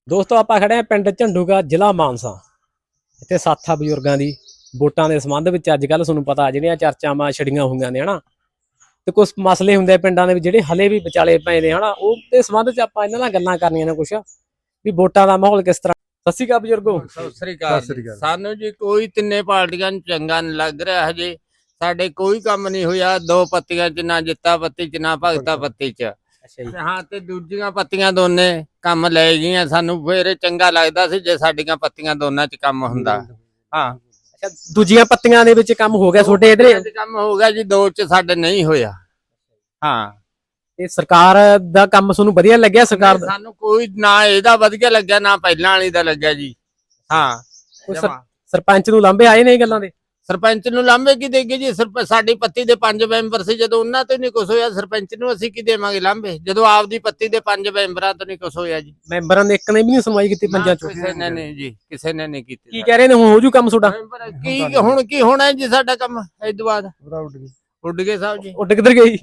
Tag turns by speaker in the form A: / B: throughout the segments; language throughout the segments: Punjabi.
A: ਦੋਸਤੋ ਆਪਾਂ ਖੜੇ ਆ ਪਿੰਡ ਝੰਡੂਗਾ ਜ਼ਿਲ੍ਹਾ ਮਾਨਸਾ। ਇੱਥੇ ਸਾਥਾ ਬਜ਼ੁਰਗਾਂ ਦੀ ਵੋਟਾਂ ਦੇ ਸੰਬੰਧ ਵਿੱਚ ਅੱਜ ਕੱਲ੍ਹ ਤੁਹਾਨੂੰ ਪਤਾ ਜਿਹੜੀਆਂ ਚਰਚਾਵਾਂ ਛੜੀਆਂ ਹੋਈਆਂ ਨੇ ਹਨਾ, ਤੇ ਕੁਝ ਮਸਲੇ ਹੁੰਦੇ ਆ ਪਿੰਡਾਂ ਦੇ ਵਿੱਚ ਜਿਹੜੇ ਹਲੇ ਵੀ ਵਿਚਾਲੇ ਪਏ ਨੇ ਹਨਾ, ਉਹ ਦੇ ਸੰਬੰਧ 'ਚ ਆਪਾਂ ਇਹਨਾਂ ਨਾਲ ਗੱਲਾਂ ਕਰਨੀਆਂ ਨੇ ਕੁਛ ਵੀ ਵੋਟਾਂ ਦਾ ਮਾਹੌਲ ਕਿਸ ਤਰ੍ਹਾਂ। ਸਤਿ ਸ਼੍ਰੀ ਅਕਾਲ ਬਜ਼ੁਰਗੋ।
B: ਸਤਿ ਸ੍ਰੀ ਅਕਾਲ। ਸਾਨੂੰ ਜੀ ਕੋਈ ਤਿੰਨੇ ਪਾਰਟੀਆਂ ਨੂੰ ਚੰਗਾ ਨਹੀਂ ਲੱਗ ਰਿਹਾ। ਹਜੇ ਸਾਡੇ ਕੋਈ ਕੰਮ ਨਹੀਂ ਹੋਇਆ। ਦੋ ਪੱਤੀਆਂ ਚ ਨਾ ਜਿੱਤਾ ਪੱਤੀ ਚ ਨਾ ਭਗਤਾ ਪੱਤੀ ਚ। ਹਾਂ ਤੇ ਦੂਜੀਆਂ ਪੱਤੀਆਂ ਦੋਨੇ ਕੰਮ ਲੈ ਗਈਆਂ। ਸਾਨੂੰ ਫੇਰ ਚੰਗਾ ਲੱਗਦਾ ਸੀ ਜੇ ਸਾਡੀਆਂ ਪੱਤੀਆਂ ਦੋਨਾਂ ਚ ਕੰਮ ਹੁੰਦਾ। ਹਾਂ
A: ਅੱਛਾ, ਦੂਜੀਆਂ ਪੱਤੀਆਂ ਦੇ ਵਿੱਚ ਕੰਮ ਹੋ ਗਿਆ ਤੁਹਾਡੇ ਇਧਰੇ?
B: ਕੰਮ ਹੋ ਗਿਆ ਜੀ, ਦੋ ਚ ਸਾਡੇ ਨਹੀਂ ਹੋਇਆ। ਹਾਂ
A: ਤੇ ਸਰਕਾਰ ਦਾ ਕੰਮ ਤੁਹਾਨੂੰ ਵਧੀਆ ਲੱਗਿਆ? ਸਰਕਾਰ ਦਾ
B: ਸਾਨੂੰ ਕੋਈ ਨਾ ਇਹਦਾ ਵਧੀਆ ਲੱਗਿਆ ਨਾ ਪਹਿਲਾਂ ਵਾਲੀ ਦਾ ਲੱਗਿਆ ਜੀ। ਹਾਂ
A: ਸਰਪੰਚ ਨੂੰ ਲਾਂਭੇ ਆਏ ਨੇ ਇਹ ਗੱਲਾਂ ਦੇ?
B: ਸਰਪੰਚ ਨੂੰ ਲਾਂਭੇ ਕੀ ਦੇਗੇ ਜੀ? ਸਾਡੀ ਪੱਤੀ ਦੇ 5 ਮੈਂਬਰ ਸੀ, ਜਦੋਂ ਉਹਨਾਂ ਤੋਂ ਨਹੀਂ ਕੁਛ ਹੋਇਆ ਸਰਪੰਚ ਨੂੰ ਅਸੀਂ ਕੀ ਦੇਵਾਂਗੇ ਲਾਂਭੇ, ਜਦੋਂ ਆਪਦੀ ਪੱਤੀ ਦੇ 5 ਮੈਂਬਰਾਂ ਤੋਂ ਨਹੀਂ ਕੁਛ ਹੋਇਆ ਜੀ।
A: ਮੈਂਬਰਾਂ ਨੇ ਇੱਕ ਨੇ ਵੀ ਨਹੀਂ ਸੁਣਵਾਈ ਕੀਤੀ ਪੰਜਾਂ ਚੋਂ?
B: ਕਿਸੇ ਨੇ ਨਹੀਂ ਜੀ, ਕਿਸੇ ਨੇ ਨਹੀਂ ਕੀਤੀ।
A: ਕੀ ਕਹਿ ਰਹੇ ਨੇ ਹੁਣ ਹੋ ਜੂ ਕੰਮ ਤੁਹਾਡਾ?
B: ਕੀ ਹੁਣ ਕੀ ਹੋਣਾ ਜੀ ਸਾਡਾ ਕੰਮ? ਇਸ ਤੋਂ ਬਾਅਦ ਉੱਡ ਗਏ ਸਾਹਿਬ ਜੀ।
A: ਉੱਡ ਕਿੱਧਰ ਗਈ?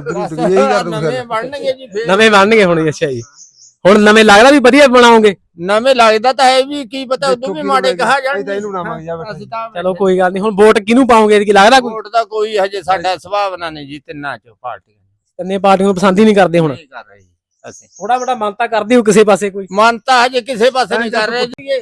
B: ਨਵੇਂ ਬਣਨਗੇ ਜੀ,
A: ਨਵੇਂ ਬਣਨਗੇ ਹੁਣ। ਅੱਛਾ ਜੀ, ਹੁਣ ਨਵੇਂ ਲੱਗਦਾ ਵੀ ਵਧੀਆ ਬਣਾਓਗੇ?
B: ਨਵੇਂ ਲੱਗਦਾ ਤਾਂ ਹੈ ਵੀ, ਕੀ ਪਤਾ ਉਦੋਂ ਵੀ ਮਾੜੇ ਕਹਾ ਜਾਣ।
A: ਚਲੋ ਕੋਈ ਗੱਲ ਨਹੀਂ। ਹੁਣ ਵੋਟ ਕਿਹਨੂੰ ਪਾਓਗੇ? ਕੀ ਲੱਗਦਾ ਕੋਈ
B: ਵੋਟ ਦਾ ਕੋਈ ਹਜੇ ਸਾਡਾ ਸੁਭਾਵਨਾ ਨਹੀਂ ਜੀ। ਤਿੰਨਾਂ ਚੋਂ ਪਾਰਟੀਆਂ
A: ਤਿੰਨੇ ਪਾਰਟੀਆਂ ਨੂੰ ਪਸੰਦ ਹੀ ਨਹੀਂ ਕਰਦੇ ਹੁਣ?
B: ਕਰ ਰਹੇ ਜੀ ਅਸੀਂ।
A: ਥੋੜਾ ਬੜਾ ਮਨ ਤਾਂ ਕਰਦੇ ਹੋ ਕਿਸੇ ਪਾਸੇ? ਕੋਈ
B: ਮਨ ਤਾਂ ਹਜੇ ਕਿਸੇ ਪਾਸੇ ਨਹੀਂ ਕਰ ਰਹੇ ਜੀ।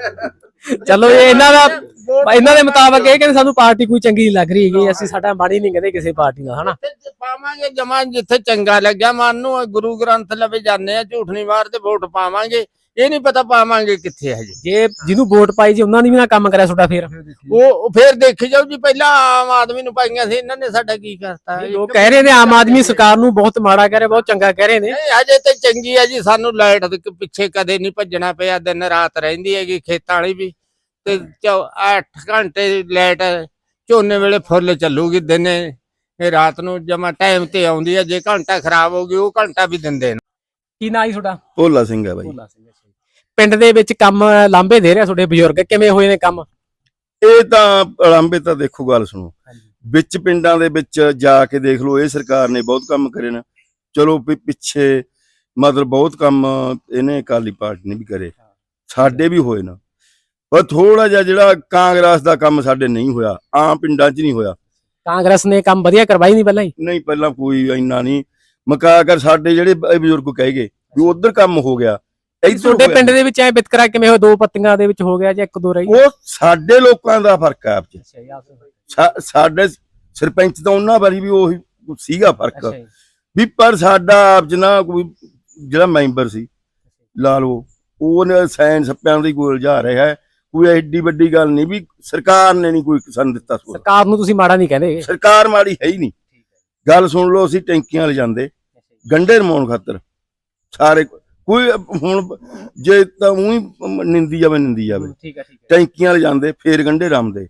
A: ਚਲੋ ਇਹ ਇਹਨਾਂ ਦੇ ਮੁਤਾਬਕ ਇਹ ਕਹਿੰਦੇ ਸਾਨੂੰ ਪਾਰਟੀ ਕੋਈ ਚੰਗੀ ਨਹੀਂ ਲੱਗ ਰਹੀ ਹੈਗੀ, ਅਸੀਂ ਸਾਡਾ ਮਾੜੀ ਨਹੀਂ ਕਹਿੰਦੇ ਕਿਸੇ ਪਾਰਟੀ ਨਾਲ ਹਨਾ।
B: ਪਾਵਾਂਗੇ ਜਮਾ ਜਿੱਥੇ ਚੰਗਾ ਲੱਗਿਆ ਮਨ ਨੂੰ। ਗੁਰੂ ਗ੍ਰੰਥ ਲਵੇ ਜਾਂਦੇ ਆ, ਝੂਠ ਨਹੀਂ ਮਾਰਦੇ, ਵੋਟ ਪਾਵਾਂਗੇ। ਇਹ ਨਹੀਂ ਪਤਾ ਪਾਵਾਂਗੇ ਕਿੱਥੇ ਹਜੇ।
A: ਜੇ ਜਿਹਨੂੰ ਵੋਟ ਪਾਈ ਜੀ ਉਹਨਾਂ ਨੇ ਵੀ ਨਾ ਕੰਮ ਕਰਿਆ ਤੁਹਾਡਾ, ਫੇਰ
B: ਉਹ ਫੇਰ ਦੇਖੀ ਜਾਓ ਜੀ। ਪਹਿਲਾਂ ਆਮ ਆਦਮੀ ਨੂੰ ਪਾਈਆਂ ਸੀ, ਇਹਨਾਂ ਨੇ ਸਾਡਾ ਕੀ ਕਰਤਾ?
A: ਲੋਕ ਕਹਿ ਰਹੇ ਨੇ ਆਮ ਆਦਮੀ ਸਰਕਾਰ ਨੂੰ ਬਹੁਤ ਮਾੜਾ ਕਹਿ ਰਹੇ, ਬਹੁਤ ਚੰਗਾ ਕਹਿ ਰਹੇ ਨੇ।
B: ਹਜੇ ਤੇ ਚੰਗੀ ਹੈ ਜੀ। ਸਾਨੂੰ ਲਾਈਟ ਦੇ ਪਿੱਛੇ ਕਦੇ ਨਹੀਂ ਭੱਜਣਾ ਪਿਆ, ਦਿਨ ਰਾਤ ਰਹਿੰਦੀ ਹੈਗੀ। ਖੇਤਾਂ ਵਾਲੀ ਵੀ ਤੇ 8 ਘੰਟੇ ਲਾਈਟ ਝੋਨੇ ਵੇਲੇ ਫੁੱਲ ਚੱਲੂਗੀ। ਦਿਨੇ ਇਹ ਰਾਤ ਨੂੰ ਜਮਾ ਟਾਈਮ ਤੇ ਆਉਂਦੀ ਹੈ। ਜੇ ਘੰਟਾ ਖਰਾਬ ਹੋ ਗਈ ਉਹ ਘੰਟਾ ਵੀ ਦਿੰਦੇ ਨੇ।
A: ਕੀ ਨਾਂ ਜੀ ਤੁਹਾਡਾ?
C: ਭੋਲਾ ਸਿੰਘ ਹੈ ਬਾਈ।
A: ਪਿੰਡ ਦੇ ਵਿੱਚ ਕੰਮ ਲਾਂਭੇ ਦੇ ਰਿਹਾ ਤੁਹਾਡੇ ਬਜ਼ੁਰਗ, ਕਿਵੇਂ ਹੋਏ ਨੇ ਕੰਮ?
C: ਇਹ ਤਾਂ ਲਾਂਭੇ ਤਾਂ ਦੇਖੋ, ਗੱਲ ਸੁਣੋ, ਵਿੱਚ ਪਿੰਡਾਂ ਦੇ ਵਿੱਚ ਜਾ ਕੇ ਦੇਖ ਲਓ। ਇਹ ਸਰਕਾਰ ਨੇ ਬਹੁਤ ਕੰਮ ਕਰੇ ਨੇ। ਚਲੋ ਪਿੱਛੇ ਮਤਲਬ ਬਹੁਤ ਕੰਮ ਇਹਨੇ ਅਕਾਲੀ ਪਾਰਟੀ ਨੇ ਵੀ ਕਰੇ, ਸਾਡੇ ਵੀ ਹੋਏ ਨਾ। ਪਰ ਥੋੜਾ ਜਿਹਾ ਜਿਹੜਾ ਕਾਂਗਰਸ ਦਾ ਕੰਮ ਸਾਡੇ ਨਹੀਂ ਹੋਇਆ, ਆਮ ਪਿੰਡਾਂ 'ਚ ਨਹੀਂ ਹੋਇਆ।
A: ਕਾਂਗਰਸ ਨੇ ਕੰਮ ਵਧੀਆ ਕਰਵਾਈ ਨਹੀਂ ਪਹਿਲਾਂ ਹੀ?
C: ਨਹੀਂ, ਪਹਿਲਾਂ ਕੋਈ ਇੰਨਾ ਨਹੀਂ ਮਕਾ ਕਰ। ਸਾਡੇ ਜਿਹੜੇ ਬਜ਼ੁਰਗ ਕਹਿ ਗਏ ਵੀ ਉਧਰ ਕੰਮ ਹੋ ਗਿਆ।
A: ਤੁਹਾਡੇ ਪਿੰਡ ਦੇ ਵਿੱਚ ਐ ਵਿਤਕਰਾ ਕਿਵੇਂ ਹੋਇਆ? ਦੋ ਪੱਤੀਆਂ ਦੇ ਵਿੱਚ ਹੋ ਗਿਆ ਜਾਂ ਇੱਕ ਦੋ ਰਹੀ?
C: ਉਹ ਸਾਡੇ ਲੋਕਾਂ ਦਾ ਫਰਕ ਹੈ ਆਪ 'ਚ। ਸਾਡੇ ਸਰਪੰਚ ਤਾਂ ਉਹਨਾਂ ਵਾਰੀ ਵੀ ਉਹੀ ਸੀਗਾ ਫਰਕ ਵੀ, ਪਰ ਸਾਡਾ ਆਪ 'ਚ ਨਾ ਕੋਈ ਜਿਹੜਾ ਮੈਂਬਰ ਸੀ ਲਾ ਲਓ, ਉਹਨੇ ਸਾਇਨ ਸੱਪਿਆਂ ਦੀ ਗੋਲ ਜਾ ਰਿਹਾ ਹੈ। ਕੋਈ ਐਡੀ ਵੱਡੀ ਗੱਲ ਨਹੀਂ ਵੀ ਸਰਕਾਰ ਨੇ ਨਹੀਂ ਕੋਈ ਕਿਸਾਨ ਦਿੱਤਾ।
A: ਸਰਕਾਰ ਨੂੰ ਤੁਸੀਂ ਮਾੜਾ ਨਹੀਂ ਕਹਿੰਦੇ?
C: ਸਰਕਾਰ ਮਾੜੀ ਹੈ ਹੀ ਨਹੀਂ। ਗੱਲ ਸੁਣ ਲਓ, ਅਸੀਂ ਟੈਂਕੀਆਂ ਲਿਜਾਂਦੇ ਗੰਢੇ ਰਮਾਉਣ ਖਾਤਰ ਸਾਰੇ। ਕੋਈ ਹੁਣ ਜੇ ਤਾਂ ਉਹੀ ਨਿੰਦੀ ਜਾਵੇ ਟੈਂਕੀਆਂ ਲਿਜਾਂਦੇ, ਫੇਰ ਗੰਢੇ ਰਮਦੇ।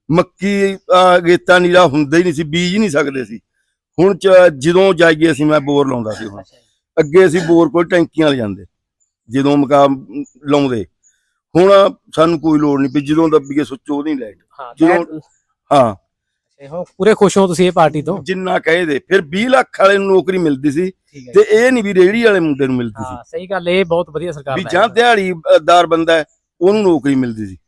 C: ਮੱਕੀ ਗੇਤਾ ਨੀਰਾ ਹੁੰਦਾ ਹੀ ਨਹੀਂ ਸੀ, ਬੀਜ ਨਹੀਂ ਸਕਦੇ ਸੀ। ਹੁਣ ਜਦੋਂ ਜਾਈਏ ਅਸੀਂ, ਮੈਂ ਬੋਰ ਲਾਉਂਦਾ ਸੀ। ਹੁਣ ਅੱਗੇ ਅਸੀਂ ਬੋਰ ਕੋਲ ਟੈਂਕੀਆਂ ਲਿਜਾਂਦੇ ਜਦੋਂ ਮਕਾ ਲਾਉਂਦੇ। ਹੁਣ ਸਾਨੂੰ ਕੋਈ ਲੋੜ ਨਹੀਂ ਪਈ, ਜਦੋਂ ਦੱਬੀਏ ਸੁੱਚ ਉਹਦੀ ਲਾਈਟ। ਜਦੋਂ ਹਾਂ
A: ਪੂਰੇ ਖੁਸ਼ ਹੋ ਤੁਸੀਂ ਇਹ ਪਾਰਟੀ ਤੋਂ?
C: ਜਿੰਨਾ ਕਹੇ ਦੇ। ਫਿਰ 20 ਲੱਖ ਵਾਲੇ ਨੂੰ ਨੌਕਰੀ ਮਿਲਦੀ ਸੀ ਤੇ ਇਹ ਨਹੀਂ ਵੀ ਰੇਹੜੀ ਵਾਲੇ ਮੁੰਡੇ ਨੂੰ ਮਿਲਦੀ ਸੀ।
A: ਸਹੀ ਗੱਲ, ਇਹ ਬਹੁਤ ਵਧੀਆ ਸਰਕਾਰ
C: ਵੀ ਜਾਂ ਦਿਹਾੜੀਦਾਰ ਬੰਦਾ ਉਹਨੂੰ ਨੌਕਰੀ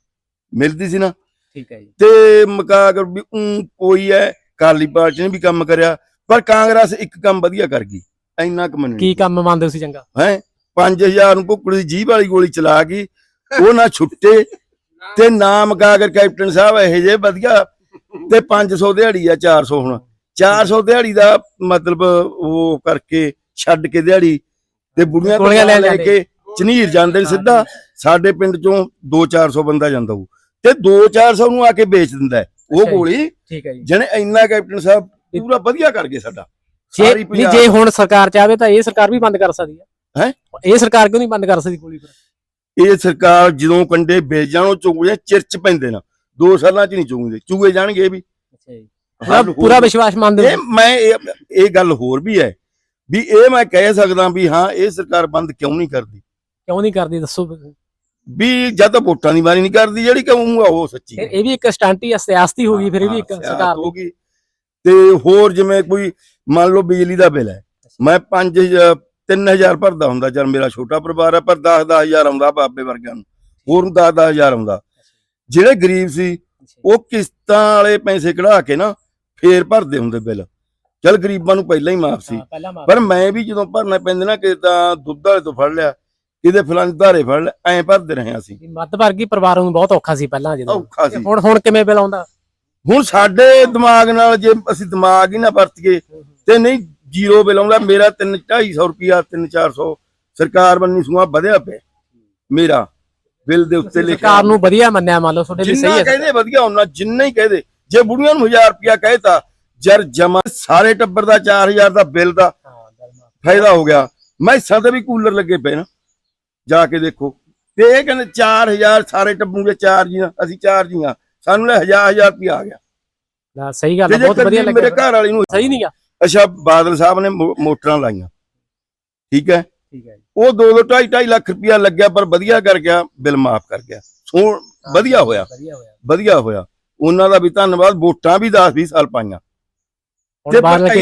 C: ਮਿਲਦੀ ਸੀ ਨਾ।
A: ਠੀਕ ਹੈ ਜੀ।
C: ਤੇ ਮਕਾ ਕਰ ਵੀ ਕੋਈ ਹੈ ਅਕਾਲੀ ਪਾਰਟੀ ਨੇ ਵੀ ਕੰਮ ਕਰਿਆ, ਪਰ ਕਾਂਗਰਸ ਇੱਕ ਕੰਮ ਵਧੀਆ ਕਰ ਗਈ। ਇੰਨਾ ਕੁ ਮੰਨਣਾ।
A: ਕੀ ਕੰਮ ਮੰਨਦੇ ਹੋ ਤੁਸੀਂ ਚੰਗਾ?
C: ਹੈ 5000 ਨੂੰ ਭੁੱਕੜੀ ਦੀ ਜੀਭ ਵਾਲੀ ਗੋਲੀ ਚਲਾ ਗਈ, ਉਹ ਨਾ ਛੁੱਟੇ ਤੇ ਨਾ ਮਕਾ ਕਰ ਕੈਪਟਨ ਸਾਹਿਬ ਇਹੋ ਜਿਹੇ ਵਧੀਆ। ਤੇ 500 ਦਿਹਾੜੀ ਆ, 400 ਹੁਣ 400 ਦਿਹਾੜੀ ਦਾ ਮਤਲਬ ਉਹ ਕਰਕੇ ਛੱਡ ਕੇ ਦਿਹਾੜੀ ਤੇ ਬੁੜੀਆਂ ਕੋਲ ਲੈ ਕੇ ਝਨੀਰ ਜਾਂਦੇ ਨੇ ਸਿੱਧਾ। ਸਾਡੇ ਪਿੰਡ ਚੋਂ 200-400 ਬੰਦਾ ਜਾਂਦਾ ਹੋਊ ਤੇ 200-400 ਨੂੰ ਆ ਕੇ ਵੇਚ ਦਿੰਦਾ ਉਹ ਗੋਲੀ।
A: ਠੀਕ ਹੈ ਜੀ।
C: ਜਿਹਨੇ ਇੰਨਾ ਕੈਪਟਨ ਸਾਹਿਬ ਪੂਰਾ ਵਧੀਆ ਕਰ ਗਏ ਸਾਡਾ।
A: ਜੇ ਹੁਣ ਸਰਕਾਰ ਚਾਹਵੇ ਤਾਂ ਇਹ ਸਰਕਾਰ ਵੀ ਬੰਦ ਕਰ ਸਕਦੀ ਹੈ। ਇਹ ਸਰਕਾਰ ਕਿਉਂ ਨਹੀਂ ਬੰਦ ਕਰ ਸਕਦੀ ਗੋਲੀ?
C: ਇਹ ਸਰਕਾਰ ਜਦੋਂ ਕੰਡੇ ਵੇਚ ਜਾਣ, ਉਹ ਚੁਗਲੇ ਚਿਰਚ ਪੈਂਦੇ ਨਾ। 2 ਸਾਲਾਂ 'ਚ ਨਹੀਂ ਚੁਗੇ ਜਾਣਗੇ ਇਹ ਵੀ।
A: ਪੂਰਾ ਵਿਸ਼ਵਾਸ ਮੰਨਦੇ?
C: ਮੈਂ ਇਹ ਗੱਲ ਹੋਰ ਵੀ ਹੈ ਵੀ ਇਹ ਮੈਂ ਕਹਿ ਸਕਦਾ ਵੀ ਹਾਂ, ਇਹ ਸਰਕਾਰ ਬੰਦ ਕਿਉਂ ਨਹੀਂ ਕਰਦੀ?
A: ਕਿਉਂ ਨਹੀਂ ਕਰਦੀ ਦੱਸੋ?
C: ਵੀ ਜਦ ਤਾਂ ਵੋਟਾਂ ਦੀ ਵਾਰੀ ਨਹੀਂ ਕਰਦੀ, ਜਿਹੜੀ ਕਹੂੰਗਾ ਉਹ ਸੱਚੀ।
A: ਇਹ ਵੀ ਇੱਕ ਸਟੰਟ ਹੀ, ਸਿਆਸਤ ਹੀ ਹੋ ਗਈ ਫਿਰ। ਇਹ ਵੀ ਇੱਕ ਸਰਕਾਰ
C: ਹੋ ਗਈ। ਤੇ ਹੋਰ ਜਿਵੇਂ ਕੋਈ ਮੰਨ ਲਓ ਬਿਜਲੀ ਦਾ ਬਿੱਲ ਹੈ, ਮੈਂ 3000 ਭਰਦਾ ਹੁੰਦਾ, ਚੱਲ ਮੇਰਾ ਛੋਟਾ ਪਰਿਵਾਰ ਆ, ਪਰ 10-10 ਹਜ਼ਾਰ ਆਉਂਦਾ ਬਾਬੇ ਵਰਗਿਆਂ ਨੂੰ, ਹੋਰ ਨੂੰ 10-10 ਹਜ਼ਾਰ ਆਉਂਦਾ। ਜਿਹੜੇ ਗਰੀਬ ਸੀ ਉਹ ਕਿਸ਼ਤਾਂ ਵਾਲੇ ਪੈਸੇ ਕਢਾ ਕੇ ਨਾ ਫੇਰ ਭਰਦੇ ਹੁੰਦੇ ਬਿੱਲ। ਚੱਲ ਗਰੀਬਾਂ ਨੂੰ ਪਹਿਲਾਂ ਹੀ ਮਾਫ ਸੀ, ਪਰ ਮੈਂ ਵੀ ਜਦੋਂ ਭਰਨਾ ਪੈਂਦੇ ਨਾ, ਕਿ ਤਾਂ ਦੁੱਧ ਵਾਲੇ ਤੋਂ ਫੜ ਲਿਆ, ਕਿਤੇ ਫਲਾਣੇ ਧਾਰੇ ਫੜ ਲਿਆ, ਐਂ ਭਰਦੇ ਰਹੇ ਅਸੀਂ।
A: ਮੱਧ ਵਰਗੀ ਪਰਿਵਾਰਾਂ ਨੂੰ ਬਹੁਤ ਔਖਾ ਸੀ ਪਹਿਲਾਂ, ਜਦੋਂ
C: ਔਖਾ ਸੀ।
A: ਹੁਣ ਕਿਵੇਂ ਬਿੱਲ ਆਉਂਦਾ?
C: ਹੁਣ ਸਾਡੇ ਦਿਮਾਗ ਨਾਲ ਜੇ ਅਸੀਂ ਦਿਮਾਗ ਹੀ ਨਾ ਵਰਤੀਏ ਤੇ ਨਹੀਂ, ਜ਼ੀਰੋ ਬਿੱਲ ਆਉਂਦਾ। ਮੇਰਾ 300-250 ਰੁਪਿਆ 300-400 ਸਰਕਾਰ ਬੰਨੀ ਸੂਆ ਵਧਿਆ ਪਿਆ ਮੇਰਾ ਬਿੱਲ ਦੇ ਉੱਤੇ ਲਿਖਿਆ।
A: ਸਰਕਾਰ ਨੂੰ ਵਧੀਆ ਮੰਨਿਆ, ਮੰਨ ਲਓ ਤੁਹਾਡੇ ਲਈ ਸਹੀ ਹੈ,
C: ਕਹਿੰਦੇ ਵਧੀਆ ਉਹਨਾਂ ਜਿੰਨਾ ਹੀ ਕਹਦੇ। ਜੇ ਬੁੜੀਆਂ ਨੂੰ 1000 ਰੁਪਿਆ ਕਹਿਤਾ, ਜਰ ਜਮਾ ਸਾਰੇ ਟੱਬਰ ਦਾ 4000 ਦਾ ਬਿੱਲ ਦਾ ਫਾਇਦਾ ਹੋ ਗਿਆ। ਮੈਸਾਂ ਤੇ ਵੀ ਕੂਲਰ ਲੱਗੇ ਪਏ ਨਾ, ਜਾ ਕੇ ਦੇਖੋ। ਤੇ ਇਹ ਕਹਿੰਦੇ 4000 ਸਾਰੇ ਟੱਬਰ ਦੇ 4 ਜੀਆਂ, ਅਸੀਂ 4 ਜੀਆਂ, ਸਾਨੂੰ 1000 ਰੁਪਿਆ ਆ ਗਿਆ।
A: ਸਹੀ ਗੱਲ ਹੈ, ਬਹੁਤ ਵਧੀਆ ਲੱਗਿਆ।
C: ਮੇਰੇ ਘਰ ਵਾਲੀ ਨੂੰ
A: ਸਹੀ ਨਹੀਂ ਆ।
C: ਅੱਛਾ, ਬਾਦਲ ਸਾਹਿਬ ਨੇ ਮੋਟਰਾਂ ਲਾਈਆਂ, ਠੀਕ ਹੈ,
A: ਠੀਕ ਹੈ,
C: ਉਹ 2-2 2.5 ਲੱਖ ਰੁਪਇਆ ਲੱਗਿਆ, ਪਰ ਵਧੀਆ ਕਰ ਗਿਆ, ਬਿੱਲ ਮਾਫ ਕਰ ਗਿਆ। ਵਧੀਆ ਹੋਇਆ, ਵਧੀਆ ਹੋਇਆ। ਉਹਨਾਂ ਦਾ ਵੀ ਧੰਨਵਾਦ। ਵੋਟਾਂ ਵੀ 10-20 ਸਾਲ ਪਾਈਆਂ। ਤੇ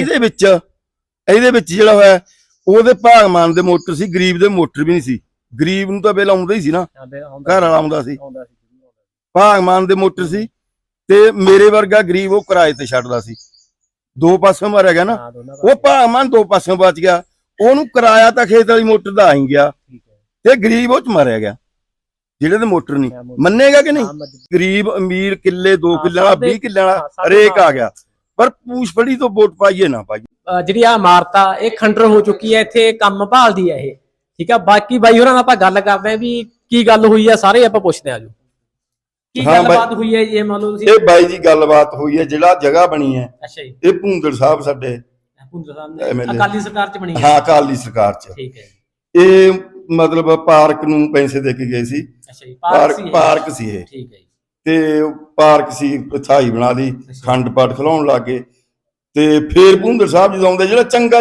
C: ਇਹਦੇ ਵਿੱਚ ਜਿਹੜਾ ਹੋਇਆ, ਉਹਦੇ ਭਾਗਮਾਨ ਦੇ ਮੋਟਰ ਸੀ, ਗਰੀਬ ਦੇ ਮੋਟਰ ਵੀ ਨਹੀਂ ਸੀ। ਗਰੀਬ ਨੂੰ ਤਾਂ ਬਿੱਲ ਆਉਂਦਾ ਹੀ ਸੀ ਨਾ, ਘਰ ਵਾਲਾ ਆਉਂਦਾ ਸੀ। ਭਾਗਮਾਨ ਦੇ ਮੋਟਰ ਸੀ, ਤੇ ਮੇਰੇ ਵਰਗਾ ਗਰੀਬ ਉਹ ਕਿਰਾਏ ਤੇ ਛੱਡਦਾ ਸੀ। ਦੋ ਪਾਸੋਂ ਮਾਰਿਆ ਗਿਆ ਨਾ, ਉਹ ਭਾਗਮਾਨ ਦੋ ਪਾਸੋਂ ਬਚ ਗਿਆ। ਉਹਨੂੰ ਕਿਰਾਇਆ ਤਾਂ ਖੇਤ ਵਾਲੀ ਮੋਟਰ ਦਾ ਆਈ ਗਿਆ, ਤੇ ਗਰੀਬ ਉਹ ਚ ਮਾਰਿਆ ਗਿਆ ਜਿਹੜੇ ਦੇ ਮੋਟਰ ਨਹੀਂ। ਮੰਨੇਗਾ ਕਿ ਨਹੀਂ? ਗਰੀਬ ਅਮੀਰ ਕਿੱਲੇ 2 ਕਿੱਲੇ ਵਾਲਾ 20 ਕਿੱਲੇ ਵਾਲਾ ਹਰੇਕ ਆ ਗਿਆ, ਪਰ ਪੂਛ ਫੜੀ ਤੋਂ ਵੋਟ ਪਾਈਏ ਨਾ ਪਾਈਏ।
A: ਜਿਹੜੀ ਆ ਇਮਾਰਤ ਆ, ਇਹ ਖੰਡਰ ਹੋ ਚੁੱਕੀ ਹੈ, ਇੱਥੇ ਕੰਮ ਭਾਲਦੀ ਹੈ ਇਹ, ਠੀਕ ਆ। ਬਾਕੀ ਬਾਈ ਹੋਰਾਂ ਨਾਲ ਆਪਾਂ ਗੱਲ ਕਰਦੇ ਆ ਵੀ ਕੀ ਗੱਲ ਹੋਈ ਆ, ਸਾਰੇ ਆਪਾਂ ਪੁੱਛਦੇ ਆ ਜੋ ਕੀ ਗੱਲਬਾਤ ਹੋਈ ਹੈ ਜੀ। ਮੰਨ ਲਓ ਤੁਸੀਂ, ਇਹ
C: ਬਾਈ ਜੀ ਗੱਲਬਾਤ ਹੋਈ ਹੈ, ਜਿਹੜਾ ਜਗ੍ਹਾ ਬਣੀ ਹੈ,
A: ਅੱਛਾ ਜੀ,
C: ਇਹ ਭੁੰਦੜ ਸਾਹਿਬ ਸਾਡੇ
A: ਅਕਾਲੀ ਸਰਕਾਰ ਚ ਬਣੀ ਹੈ।
C: ਹਾਂ, ਅਕਾਲੀ ਸਰਕਾਰ ਚ, ਠੀਕ ਹੈ। ਇਹ ਮਤਲਬ ਪਾਰਕ ਨੂੰ ਪੈਸੇ ਦੇ ਕੇ ਗਏ ਸੀ।
A: ਅੱਛਾ ਜੀ,
C: ਪਾਰਕ ਸੀ ਇਹ, ਠੀਕ ਹੈ। ਤੇ ਪਾਰਕ ਸੀ, ਥਾਈ ਬਣਾ ਲਈ, ਖੰਡ ਪਾਠ ਖਿਲਾਉਣ ਲੱਗੇ। ਤੇ ਫੇਰ ਭੁੰਦੜ ਸਾਹਿਬ ਜਦੋਂ ਆਉਂਦੇ, ਜਿਹੜਾ ਚੰਗਾ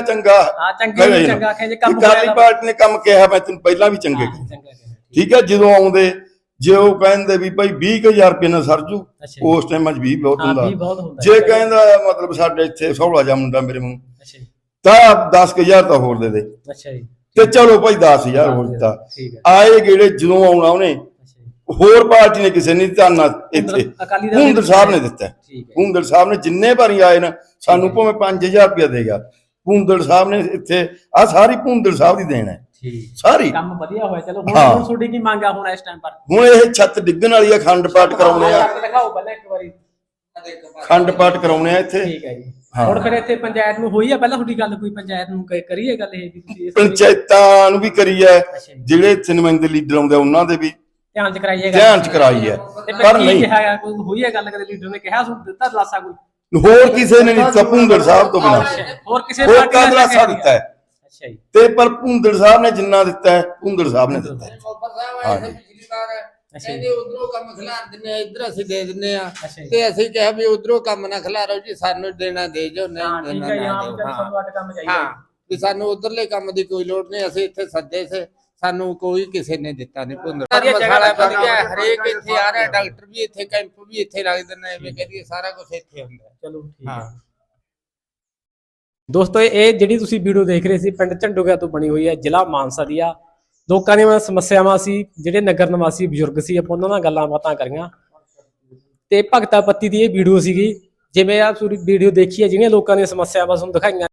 C: ਅਕਾਲੀ ਪਾਰਟੀ ਨੇ ਕੰਮ ਕਿਹਾ, ਮੈਂ ਤੈਨੂੰ ਪਹਿਲਾਂ ਵੀ ਚੰਗੇ ਠੀਕ ਹੈ। ਜਦੋਂ ਆਉਂਦੇ, ਜੇ ਉਹ ਕਹਿੰਦੇ ਵੀ ਭਾਈ 20,000 ਰੁਪਏ ਨਾਲ ਸਰਜੂ, ਉਸ ਟਾਈਮ 20 ਬਹੁਤ ਹੁੰਦਾ। ਜੇ ਕਹਿੰਦਾ ਮਤਲਬ ਸਾਡੇ ਇੱਥੇ ਸੌਲਾ ਜਾ ਮੁੰਡਾ ਮੇਰੇ ਮੂੰਹ, ਤਾਂ 10,000 ਤਾਂ ਹੋਰ ਦੇ ਦੇ, ਤੇ ਚਲੋ ਭਾਈ 10,000 ਹੋਰ ਦਿੱਤਾ। ਆਏ ਗੇੜੇ ਜਦੋਂ ਆਉਣਾ ਉਹਨੇ, ਹੋਰ ਪਾਰਟੀ ਨੇ ਕਿਸੇ ਨੇ ਦਿੱਤਾ ਨਾ, ਇੱਥੇ ਭੁੰਦੜ ਸਾਹਿਬ ਨੇ ਦਿੱਤਾ। ਭੁੰਦੜ ਸਾਹਿਬ ਨੇ ਜਿੰਨੇ ਵਾਰੀ ਆਏ ਨਾ, ਸਾਨੂੰ ਭਾਵੇਂ 5,000 ਰੁਪਇਆ ਦੇਗਾ, ਭੁੰਦੜ ਸਾਹਿਬ ਨੇ ਇੱਥੇ ਆ ਸਾਰੀ ਭੁੰਦੜ ਸਾਹਿਬ ਦੀ ਦੇਣ ਹੈ ਸਾਰੀ।
A: ਕੰਮ ਵਧੀਆ ਹੋਇਆ। ਚਲੋ ਹੁਣ ਤੁਹਾਡੀ ਕੀ ਮੰਗ ਆ ਹੁਣ ਇਸ ਟਾਈਮ ਪਰ?
C: ਹੁਣ ਇਹ ਛੱਤ ਡਿੱਗਣ ਵਾਲੀ ਆ, ਖੰਡ ਪਾਠ ਕਰਾਉਣੇ ਆ,
A: ਦਿਖਾਓ ਪਹਿਲਾਂ ਇੱਕ ਵਾਰੀ,
C: ਖੰਡ ਪਾਠ ਕਰਾਉਣੇ ਆ ਇੱਥੇ,
A: ਠੀਕ ਹੈ ਜੀ। ਹੁਣ ਫਿਰ ਇੱਥੇ ਪੰਚਾਇਤ ਨੂੰ ਹੋਈ ਆ ਪਹਿਲਾਂ ਤੁਹਾਡੀ ਗੱਲ, ਕੋਈ ਪੰਚਾਇਤ ਨੂੰ ਕਰੀਏ ਗੱਲ ਇਹ ਵੀ?
C: ਪੰਚਾਇਤਾਂ ਨੂੰ ਵੀ ਕਰੀ ਹੈ, ਜਿਹੜੇ ਇੱਥੇ ਨੁਮਾਇੰਦੇ ਲੀਡਰ ਆਉਂਦੇ ਉਹਨਾਂ ਦੇ ਵੀ
A: ਧਿਆਨ ਚ ਕਰਾਈ
C: ਹੈ, ਪਰ ਨਹੀਂ
A: ਹੋਈ ਹੈ ਗੱਲ, ਕਦੇ ਲੀਡਰ ਨੇ ਕਿਹਾ ਦਿੱਤਾ ਦਲਾਸਾ ਕੋਈ?
C: ਹੋਰ ਕਿਸੇ ਨੇ ਨਹੀਂ ਦਿੱਤਾ ਭੁੰਦੜ ਸਾਹਿਬ ਤੋਂ ਬਿਨਾਂ,
A: ਹੋਰ ਕਿਸੇ
C: ਹੋਰ ਕਾ ਦਲਾਸਾ ਦਿੱਤਾ ਹੈ?
A: ਅੱਛਾ ਜੀ।
C: ਤੇ ਪਰ ਭੁੰਦੜ ਸਾਹਿਬ ਨੇ ਜਿੰਨਾ ਦਿੱਤਾ ਹੈ, ਭੁੰਦੜ ਸਾਹਿਬ ਨੇ ਦਿੱਤਾ ਹੈ।
B: ਕਹਿੰਦੇ ਉਧਰੋਂ ਕੰਮ ਖਿਲਾਰ ਦਿੰਨੇ ਆ, ਇੱਧਰ ਅਸੀਂ ਦੇ ਦਿੰਨੇ ਆ, ਤੇ ਅਸੀਂ ਕਿਹਾ ਵੀ ਉਧਰੋਂ ਕੰਮ ਨਾ ਖਿਲਾਰੋ ਜੀ, ਸਾਨੂੰ ਦੇਣਾ ਦੇ ਜੋ, ਨਹੀਂ ਹਾਂ, ਵੀ ਸਾਨੂੰ ਉਧਰਲੇ ਕੰਮ ਦੀ ਕੋਈ ਲੋੜ ਨਹੀਂ, ਅਸੀਂ ਇੱਥੇ ਸੱਦੇ ਸੇ, ਸਾਨੂੰ ਕੋਈ ਕਿਸੇ ਨੇ ਦਿੱਤਾ ਨਹੀਂ। ਭੁੰਦੜ ਮਸਾਲਾ ਵਧੀਆ, ਹਰੇਕ ਇੱਥੇ ਆ ਰਿਹਾ, ਡਾਕਟਰ ਵੀ ਇੱਥੇ, ਕੈਂਪ ਵੀ ਇੱਥੇ ਲੱਗਦੇ ਨੇ, ਐਵੇਂ ਕਹਦੀਏ ਸਾਰਾ ਕੁਝ ਇੱਥੇ ਹੁੰਦਾ। ਚਲੋ ਠੀਕ ਹੈ
A: ਦੋਸਤੋ, ਇਹ ਜਿਹੜੀ ਤੁਸੀਂ ਵੀਡੀਓ ਦੇਖ ਰਹੇ ਸੀ, ਪਿੰਡ ਝੰਡੂਕਿਆਂ ਤੋਂ ਬਣੀ ਹੋਈ ਹੈ, ਜ਼ਿਲ੍ਹਾ ਮਾਨਸਾ ਦੀ ਆ। ਲੋਕਾਂ ਦੀਆਂ ਸਮੱਸਿਆਵਾਂ ਸੀ, ਜਿਹੜੇ ਨਗਰ ਨਿਵਾਸੀ ਬਜ਼ੁਰਗ ਸੀ, ਆਪਾਂ ਉਹਨਾਂ ਨਾਲ ਗੱਲਾਂ ਬਾਤਾਂ ਕਰੀਆਂ, ਤੇ ਭਗਤਾ ਪੱਤੀ ਦੀ ਇਹ ਵੀਡੀਓ ਸੀਗੀ। ਜਿਵੇਂ ਆ ਤੁਸੀਂ ਵੀਡੀਓ ਦੇਖੀ ਹੈ, ਜਿਹੜੀਆਂ ਲੋਕਾਂ ਦੀਆਂ ਸਮੱਸਿਆਵਾਂ ਤੁਹਾਨੂੰ ਦਿਖਾਈਆਂ।